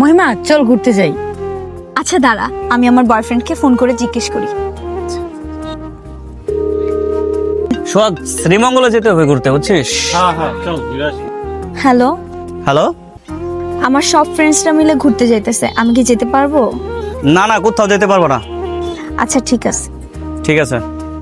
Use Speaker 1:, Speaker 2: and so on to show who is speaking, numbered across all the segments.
Speaker 1: মহিমা চল ঘুরতে যাই।
Speaker 2: আচ্ছা দাঁড়া, আমি আমার বয়ফ্রেন্ডকে ফোন করে জিজ্ঞেস করি।
Speaker 3: সোহাগ, শ্রীমঙ্গলে যেতে হবে ঘুরতে, বুঝছিস?
Speaker 2: Hello,
Speaker 3: hello.
Speaker 2: আমার সব ফ্রেন্ডসরা মিলে ঘুরতে যাইতেছে, আমি কি যেতে পারবো?
Speaker 3: না না, কোথাও যেতে পারবো না।
Speaker 2: আচ্ছা ঠিক আছে।
Speaker 3: ঠিক আছে।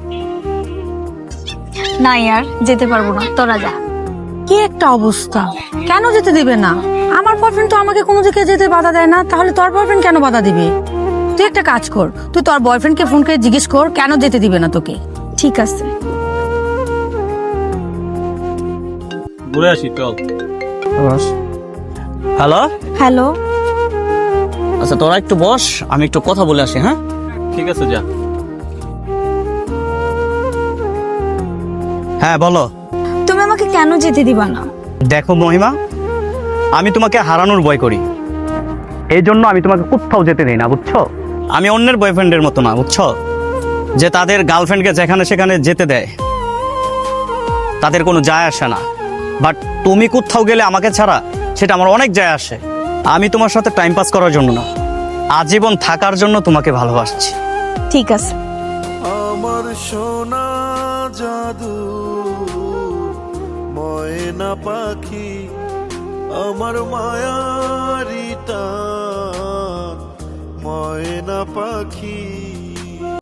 Speaker 2: না ইয়ার, যেতে পারবো না, তোরা যা।
Speaker 1: কি একটা অবস্থা, কেন যেতে দিবে না? আমার বয়ফ্রেন্ড তো আমাকে কোনো দিকে যেতে বাধা দেয় না, তাহলে তোর বয়ফ্রেন্ড কেন বাধা দিবে? তুই একটা কাজ কর, তুই তোর বয়ফ্রেন্ডকে ফোন করে জিজ্ঞেস কর কেন যেতে দিবে না তোকে।
Speaker 2: ঠিক আছে।
Speaker 4: ঘুরে আসি, চল।
Speaker 3: হ্যালো।
Speaker 2: হ্যালো,
Speaker 3: আচ্ছা তোরা একটু বস, আমি একটু কথা বলে আসি। হ্যাঁ
Speaker 4: ঠিক আছে, যা।
Speaker 3: হ্যাঁ বলো।
Speaker 2: তুমি আমাকে কেন যেতে দিবা না?
Speaker 3: দেখো মহিমা, আমি তোমাকে হারানোর ভয় করি, এই জন্য আমি তোমাকে কোথাও যেতে দিই না, বুঝছো? আমি অন্যের বয়ফ্রেন্ডের মতো না, বুঝছো, যে তাদের গার্লফ্রেন্ডকে যেখানে সেখানে যেতে দেয়, তাদের কোনো যায় আসে না। বাট তুমি কোথাও গেলে আমাকে ছাড়া, সেটা আমার অনেক যায় আসে। আমি তোমার সাথে টাইম পাস করার জন্য না, আজীবন থাকার জন্য তোমাকে ভালোবাসছি।
Speaker 2: ঠিক আছে।
Speaker 5: আমার সোনা জাদু ময়না পাখি, আমার মায়ারি টান ময়না পাখি।